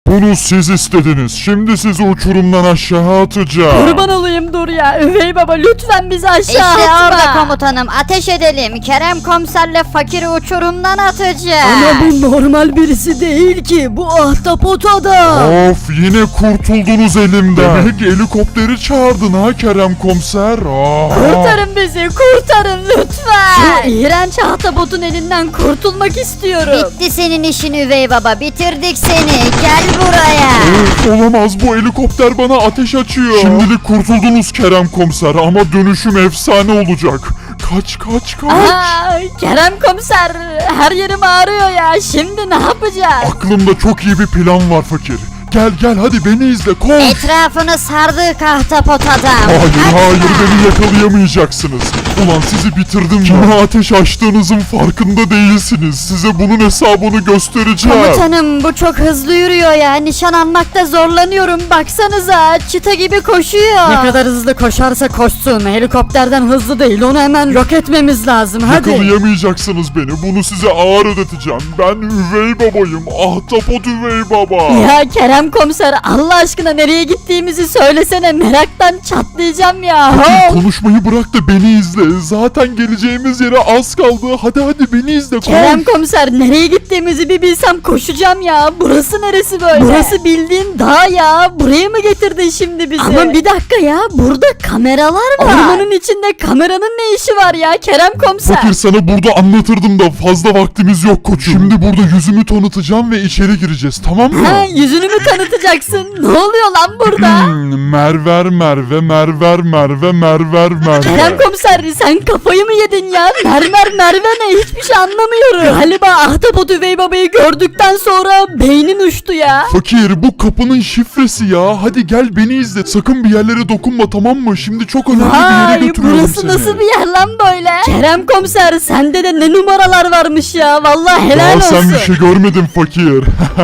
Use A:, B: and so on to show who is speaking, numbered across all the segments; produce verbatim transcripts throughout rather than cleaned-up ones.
A: Bunu siz istediniz. Şimdi sizi uçurumdan aşağı atacağım.
B: Kurban olayım dur ya. Üvey baba lütfen bizi aşağı
C: İşte
B: atma.
C: orada komutanım, ateş edelim. Kerem komiserle fakiri uçurumdan atacağız.
B: Ama bu normal birisi değil ki. Bu ahtapot adam.
A: Of, yine kurtuldunuz elimden. Demek helikopteri çağırdın ha Kerem komiser. Aa.
B: Kurtarın bizi, kurtarın lütfen. Şu iğrenç ahtapotun elinden kurtulmak istiyorum.
C: Bitti senin işin üvey baba, bitirdik seni. Gel buraya.
A: Of, olamaz, bu helikopter bana ateş açıyor. Şimdilik kurtuldunuz Kerem komiser ama dönüşüm efsane olacak. Kaç kaç kaç.
B: Aa, Kerem komiser, her yerim ağrıyor ya. Şimdi ne yapacağız?
A: Aklımda çok iyi bir plan var fakir. Gel gel hadi beni izle, koş.
C: Etrafını sardık ahtapot adam.
A: Hayır
C: Hadi
A: hayır,
C: sen.
A: beni yakalayamayacaksınız. Ulan sizi bitirdim. Kime ateş açtığınızın farkında değilsiniz. Size bunun hesabını göstereceğim.
C: Komutanım bu çok hızlı yürüyor ya. Nişan almakta zorlanıyorum. Baksanıza çıta gibi koşuyor.
B: Ne kadar hızlı koşarsa koşsun. Helikopterden hızlı değil. Onu hemen yok etmemiz lazım. Hadi.
A: Yakalayamayacaksınız beni. Bunu size ağır ödeteceğim. Ben üvey babayım. Ahtapot üvey baba.
B: Ya Kerem komiser, Allah aşkına nereye gittiğimizi söylesene. Meraktan çatlayacağım ya.
A: Fakir,
B: Hop.
A: konuşmayı bırak da beni izle. Zaten geleceğimiz yere az kaldı. Hadi hadi beni izle. Koş.
B: Kerem komiser, nereye gittiğimizi bir bilsem koşacağım ya. Burası neresi böyle? Burası bildiğin dağ ya. Buraya mı getirdin şimdi bizi? Ama bir dakika ya, burada kameralar var. Ormanın içinde kameranın ne işi var ya Kerem komiser?
A: Fakir, sana burada anlatırdım da fazla vaktimiz yok koçum. Şimdi burada yüzümü tanıtacağım ve içeri gireceğiz, tamam mı?
B: Ha, yüzünü mü tanıtacaksın? Ne oluyor lan burada?
A: Hmm, merver merve merver merve merver merve.
B: Kerem komiser, sen kafayı mı yedin ya? Mermer merve ne? Hiçbir şey anlamıyorum. Galiba ahtapot üvey babayı gördükten sonra beynin uçtu ya.
A: Fakir, bu kapının şifresi ya. Hadi gel beni izle. Sakın bir yerlere dokunma, tamam mı? Şimdi çok önemli bir yere
B: Vay,
A: götürüyorum
B: burası
A: seni.
B: nasıl bir yer lan böyle? Kerem komiser, sende de ne numaralar varmış ya. Vallahi helal
A: Daha
B: olsun.
A: sen bir şey görmedin fakir.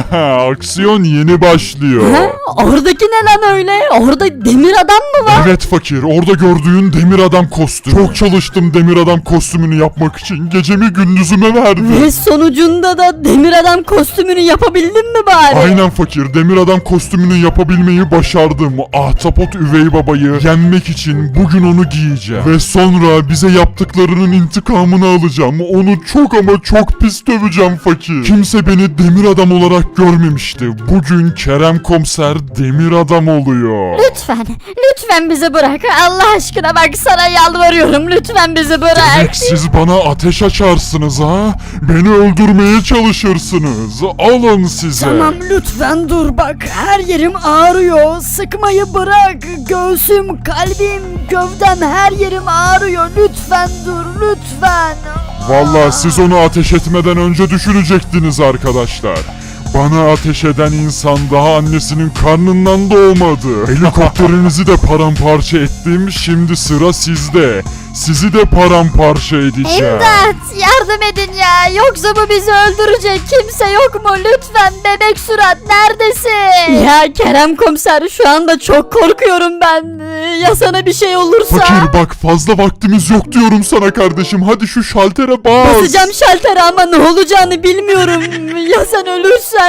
A: Aksiyon yeni başlıyor.
B: Ha? Oradaki ne lan öyle? Orada demir adam mı var?
A: Evet fakir, orada gördüğün demir adam kostümü. Çok çalıştım demir adam kostümünü yapmak için. Gecemi gündüzüme verdim.
B: Ve sonucunda da demir adam kostümünü yapabildin mi bari?
A: Aynen fakir, demir adam kostümünü yapabilmeyi başardım. Ahtapot üvey babayı yenmek için bugün onu giyeceğim. Ve sonra bize yaptıklarının intikamını alacağım. Onu çok ama çok pis döveceğim fakir. Kimse beni demir adam olarak görmemişti. Bugün Kerem komiser demir adam oluyor.
B: Lütfen, lütfen bizi bırak. Allah aşkına bak, sana yalvarıyorum. Lütfen bizi bırak.
A: Demek siz bana ateş açarsınız ha? Beni öldürmeye çalışırsınız. Alın size.
B: Tamam, lütfen dur bak. Her yerim ağrıyor. Sıkmayı bırak. Göğsüm, kalbim, gövdem, her yerim ağrıyor. Lütfen dur, lütfen.
A: Vallahi siz onu ateş etmeden önce düşünecektiniz arkadaşlar. Bana ateş eden insan daha annesinin karnından doğmadı. Helikopterinizi de paramparça ettim. Şimdi sıra sizde. Sizi de paramparça edeceğim.
B: İmdat, yardım edin ya. Yoksa bu bizi öldürecek. Kimse yok mu? Lütfen bebek surat, neredesin? Ya Kerem komiser, şu anda çok korkuyorum ben. Ya sana bir şey olursa?
A: Fakir bak, fazla vaktimiz yok diyorum sana kardeşim. Hadi şu şaltere bas.
B: Basacağım şaltere ama ne olacağını bilmiyorum. Ya sen ölürsen?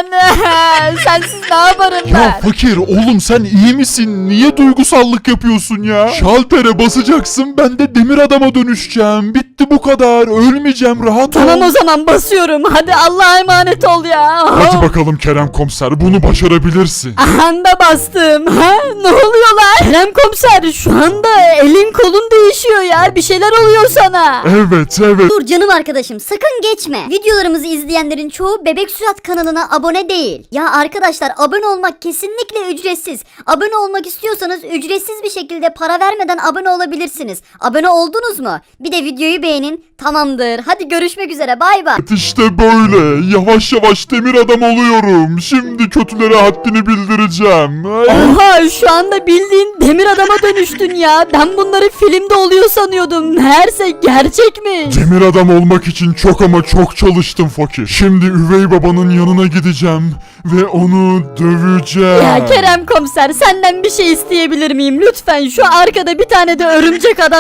B: Sensiz ne yaparım ben?
A: Ya fakir oğlum, sen iyi misin? Niye duygusallık yapıyorsun ya? Şaltere basacaksın, ben de demir adama dönüşeceğim. Bitti, bu kadar. Ölmeyeceğim, rahat ol.
B: Tamam, o zaman basıyorum. Hadi Allah'a emanet ol ya.
A: Hadi bakalım Kerem komiser, bunu başarabilirsin.
B: Anda bastım. Ha? Ne oluyor lan? Kerem komiser, şu anda elin kolun değişiyor ya. Bir şeyler oluyor sana.
A: Evet evet.
C: Dur canım arkadaşım, sakın geçme. Videolarımızı izleyenlerin çoğu Bebek Sürat kanalına abone değil. Ya arkadaşlar, abone olmak kesinlikle ücretsiz. Abone olmak istiyorsanız ücretsiz bir şekilde para vermeden abone olabilirsiniz. Abone oldunuz mu? Bir de videoyu beğenin. Tamamdır. Hadi görüşmek üzere. Bay bay.
A: İşte böyle. Yavaş yavaş demir adam oluyorum. Şimdi kötülere haddini bildireceğim. Ay.
B: Oha, şu anda bildiğin demir adama dönüştün ya. Ben bunları filmde oluyor sanıyordum. Meğerse gerçekmiş.
A: Demir adam olmak için çok ama çok çalıştım fakir. Şimdi üvey babanın yanına gideceğim ve onu döveceğim.
B: Ya Kerem komiser, senden bir şey isteyebilir miyim? Lütfen şu arkada bir tane de örümcek adam kostümü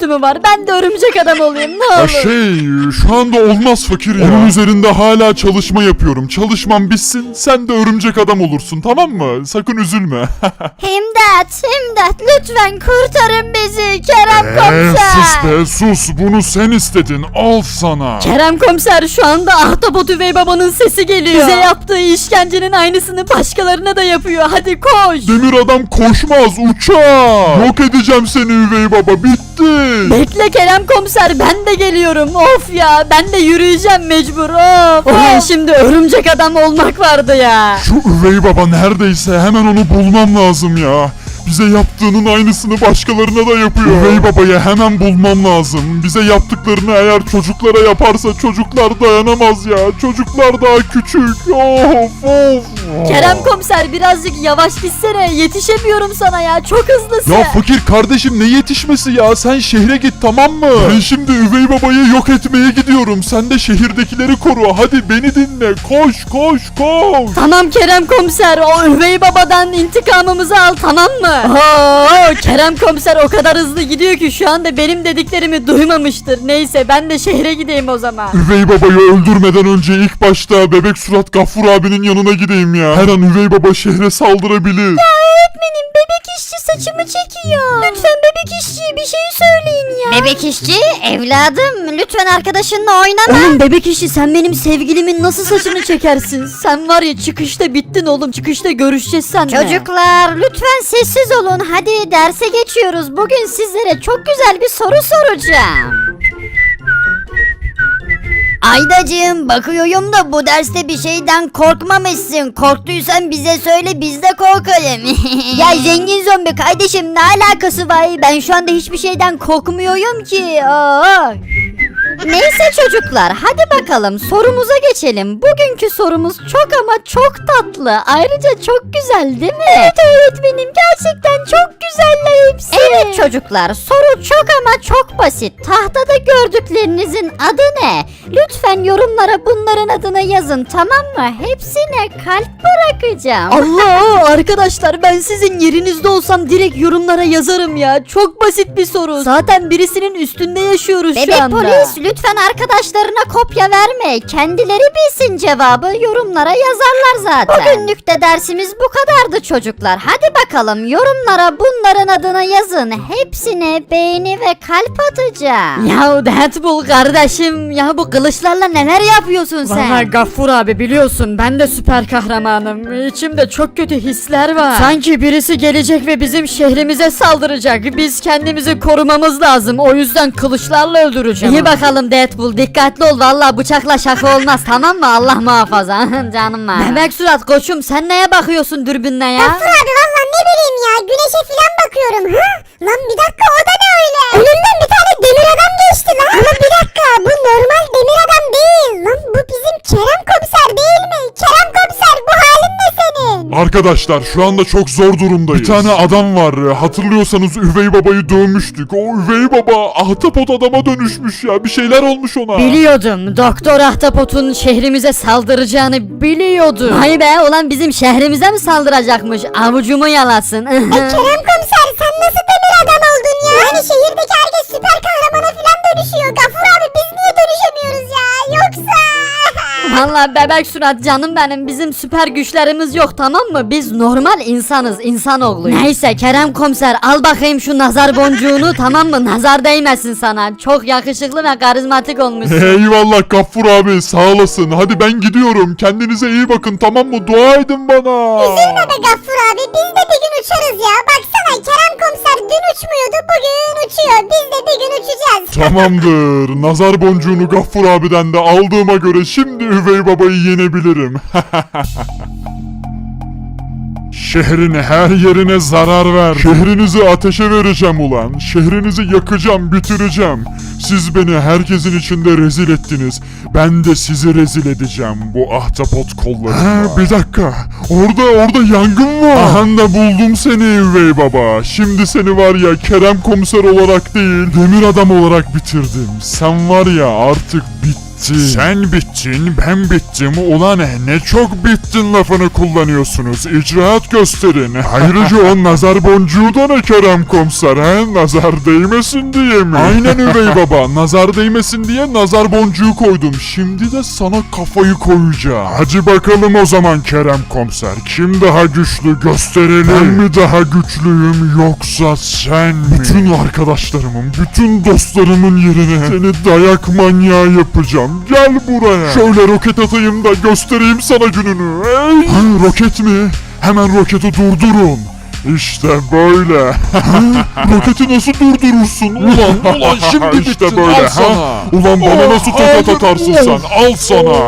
B: kostümü var. Ben de örümcek adam olayım ne
A: Ya
B: olur.
A: şey şu anda olmaz fakir ya. Onun üzerinde hala çalışma yapıyorum. Çalışmam bitsin sen de örümcek adam olursun tamam mı? Sakın üzülme.
C: İmdat, imdat lütfen kurtarın bizi Kerem
A: Eee
C: komiser.
A: sus be sus bunu sen istedin al sana.
B: Kerem komiser şu anda Ahtapot Üvey Baba'nın sesi geliyor. Bize yaptığı işkencenin aynısını başkalarına da yapıyor. Hadi koş.
A: Demir adam koşmaz uçar. Yok edeceğim seni üvey baba bitti.
B: Bekle Kerem komiser ben de geliyorum. Of ya ben de yürüyeceğim mecbur. Of. Ulan şimdi örümcek adam olmak vardı ya.
A: Şu üvey baba neredeyse hemen onu bulmam lazım ya. Bize yaptığının aynısını başkalarına da yapıyor. Üvey babayı hemen bulmam lazım. Bize yaptıklarını eğer çocuklara yaparsa çocuklar dayanamaz ya. Çocuklar daha küçük. Of of.
B: Kerem komiser birazcık yavaş gitsene. Yetişemiyorum sana ya. Çok hızlısın.
A: Ya fakir kardeşim ne yetişmesi ya? Sen şehre git tamam mı? Ben şimdi üvey babayı yok etmeye gidiyorum. Sen de şehirdekileri koru. Hadi beni dinle. Koş koş koş.
B: Tamam Kerem komiser o üvey babadan intikamımızı al tamam mı? Oo, Kerem komiser o kadar hızlı gidiyor ki şu anda benim dediklerimi duymamıştır. Neyse ben de şehre gideyim o zaman.
A: Üvey babayı öldürmeden önce ilk başta bebek surat Gaffur abinin yanına gideyim ya. Her an üvey baba şehre saldırabilir.
C: Öğretmenim bebek işçi saçımı çekiyor. Lütfen bebek işçiye bir şey söyleyin ya. Bebek işçi evladım lütfen arkadaşınla oynama.
B: Oğlum bebek işi sen benim sevgilimin nasıl saçını çekersin? Sen var ya çıkışta bittin oğlum çıkışta görüşeceğiz seninle.
C: Çocuklar lütfen sessiz olun. Hadi derse geçiyoruz. Bugün sizlere çok güzel bir soru soracağım. Aydacığım bakıyorum da bu derste bir şeyden korkmamışsın. Korktuysan bize söyle biz de korkalım. Ya zengin zombi kardeşim ne alakası var? Ben şu anda hiçbir şeyden korkmuyorum ki. Aa. Neyse çocuklar hadi bakalım sorumuza geçelim. Bugünkü sorumuz çok ama çok tatlı. Ayrıca çok güzel değil mi? Evet öğretmenim gerçekten çok güzeller hepsi. Evet çocuklar soru çok ama çok basit. Tahtada gördüklerinizin adı ne? Lütfen yorumlara bunların adını yazın tamam mı? Hepsine kalp bırakacağım.
B: Allah arkadaşlar ben sizin yerinizde olsam direkt yorumlara yazarım ya. Çok basit bir soru. Zaten birisinin üstünde yaşıyoruz
C: Bebek
B: şu anda.
C: polis lütfen arkadaşlarına kopya verme. Kendileri bilsin cevabı yorumlara yazarlar zaten. Bugünlük de dersimiz bu kadardı çocuklar. Hadi bakalım yorumlara bunların adını yazın. Hepsine beğeni ve kalp atacağım.
B: Ya Deadpool kardeşim ya bu kılıçlarla neler yapıyorsun sen? Valla Gaffur abi biliyorsun ben de süper kahramanım. İçimde çok kötü hisler var. Sanki birisi gelecek ve bizim şehrimize saldıracak. Biz kendimizi korumamız lazım. O yüzden kılıçlarla öldüreceğim. İyi bakalım Deadpool dikkatli ol. Valla bıçakla şaka olmaz tamam mı? Allah muhafaza. Canım var. Bebek surat koçum sen neye bakıyorsun dürbünle ya?
C: Gafur abi valla ne bileyim ya güneşe filan bakıyorum. Hı? Lan bir dakika o da ne öyle? Önümden bir tane demir adam geçti lan. Ama bir dakika bu normal demir adam değil. Lan bu bizim Kerem komiser değil mi? Kerem komiser bu halin ne senin?
A: Arkadaşlar şu anda çok zor durumdayız. Bir tane adam var. Hatırlıyorsanız üvey babayı dövmüştük. O üvey baba ahtapot adama dönüşmüş ya. Bir şeyler olmuş ona.
B: Biliyordum. Doktor Ahtapot'un şehrimize saldıracağını biliyordum. Vay be ulan bizim şehrimize mi saldıracakmış? Avucumu yalasın.
C: Kerem komiser sen nasıl demir adam oldun ya? Yani şehirdeki herkes süper kahramana filan dönüşüyor. Gafur abi biz niye dönüşemiyoruz ya? Yoksa...
B: Valla bebek surat canım benim bizim süper güçlerimiz yok tamam mı? Biz normal insanız insanoğluyuz. Neyse Kerem komiser al bakayım şu nazar boncuğunu tamam mı? Nazar değmesin sana. Çok yakışıklı ve karizmatik olmuşsun.
A: Eyvallah Gaffur abi sağ olasın. Hadi ben gidiyorum. Kendinize iyi bakın tamam mı? Dua edin bana.
C: Üzülme be Gaffur abi biz de bir gün uçarız ya. Baksana Kerem komiser dün uçmuyordu bugün uçuyor. Biz de bir gün uçacağız.
A: Tamamdır. Nazar boncuğunu Gaffur abiden de aldığıma göre şimdi üvey babayı yenebilirim. Şehrin her yerine zarar ver. Şehrinizi ateşe vereceğim ulan. Şehrinizi yakacağım, bitireceğim. Siz beni herkesin içinde rezil ettiniz. Ben de sizi rezil edeceğim bu ahtapot kollarımla. Bir dakika. Orada orada yangın var. Aha da buldum seni üvey baba. Şimdi seni var ya Kerem komiser olarak değil, demir adam olarak bitirdim. Sen var ya artık bittin. bitti. Sen bittin, ben bittim. Ulan ne çok bittin lafını kullanıyorsunuz. İcraat gösterin. Ayrıca o nazar boncuğu da ne Kerem komiser he? Nazar değmesin diye mi? Aynen üvey baba. Nazar değmesin diye nazar boncuğu koydum. Şimdi de sana kafayı koyacağım. Hadi bakalım o zaman Kerem komiser. Kim daha güçlü gösterelim. Ben mi daha güçlüyüm yoksa sen mi? Bütün arkadaşlarımın, bütün dostlarımın yerine seni dayak manyağı yapacağım. Gel buraya. Şöyle roket atayım da göstereyim sana gününü. Hey. Ha, roket mi? Hemen roketi durdurun. İşte böyle. Roketi nasıl durdurursun? Ulan ulan şimdi
D: İşte
A: bittin.
D: böyle,
A: Al
D: ha?
A: sana. Ulan bana
D: Oh,
A: nasıl tokat
D: hayır,
A: atarsın
D: oh.
A: sen? Al sana.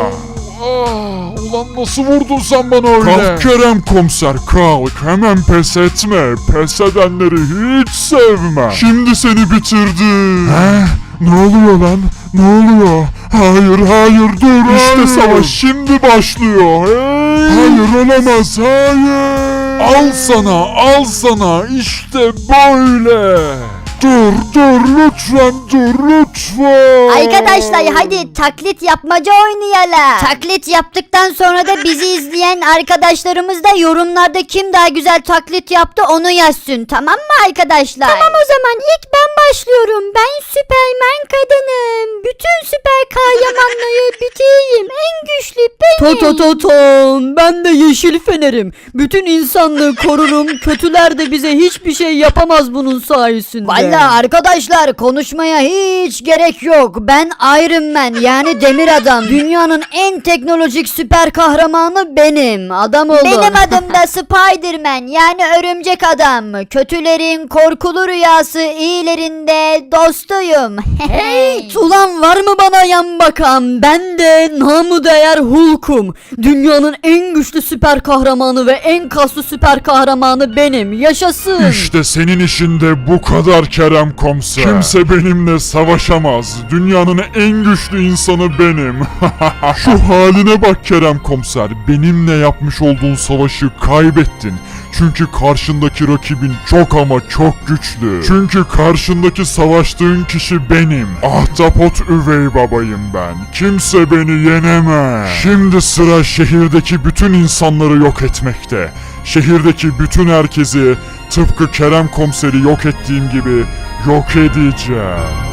D: Ah, ulan nasıl vurdun sen bana öyle?
A: Kalk Kerem komiser kalk. Hemen pes etme. Pes edenleri hiç sevmem. Şimdi seni bitirdim. He? Ne oluyor lan? Ne oluyor? Hayır hayır dur. İşte savaş şimdi başlıyor. Hey. Hayır olamaz hayır. Al sana al sana işte böyle. Dur dur lütfen dur lütfen.
C: Arkadaşlar hadi taklit yapmaca oynayalım. Taklit yaptıktan sonra da bizi izleyen arkadaşlarımız da yorumlarda kim daha güzel taklit yaptı onu yazsın, tamam mı arkadaşlar? Tamam o zaman ilk ben başlıyorum. Ben Süpermen kadınım. Bütün süper kahramanları bitireyim. En güçlü benim.
B: To to to tom. Ben de yeşil fenerim. Bütün insanlığı korurum. Kötüler de bize hiçbir şey yapamaz bunun sayesinde.
C: Valla arkadaşlar konuşmaya hiç gerek yok. Ben Iron Man yani demir adam. Dünyanın en teknolojik süper kahramanı benim. Adam olun. Benim adım da Spiderman yani örümcek adam. Kötülerin korkulu rüyası, iyilerin de dostuyum.
B: Hey, ulan var mı bana yan bakan? Ben de namı değer Hulk'um. Dünyanın en güçlü süper kahramanı ve en kaslı süper kahramanı benim. Yaşasın.
A: İşte senin işin de bu kadar Kerem komiser. Kimse benimle savaşamaz. Dünyanın en güçlü insanı benim. Şu haline bak Kerem komiser. Benimle yapmış olduğun savaşı kaybettin. Çünkü karşındaki rakibin çok ama çok güçlü. Çünkü karşındaki savaştığın kişi benim. Ahtapot üvey babayım ben. Kimse beni yenemez. Şimdi sıra şehirdeki bütün insanları yok etmekte. Şehirdeki bütün herkesi tıpkı Kerem komiseri yok ettiğim gibi yok edeceğim.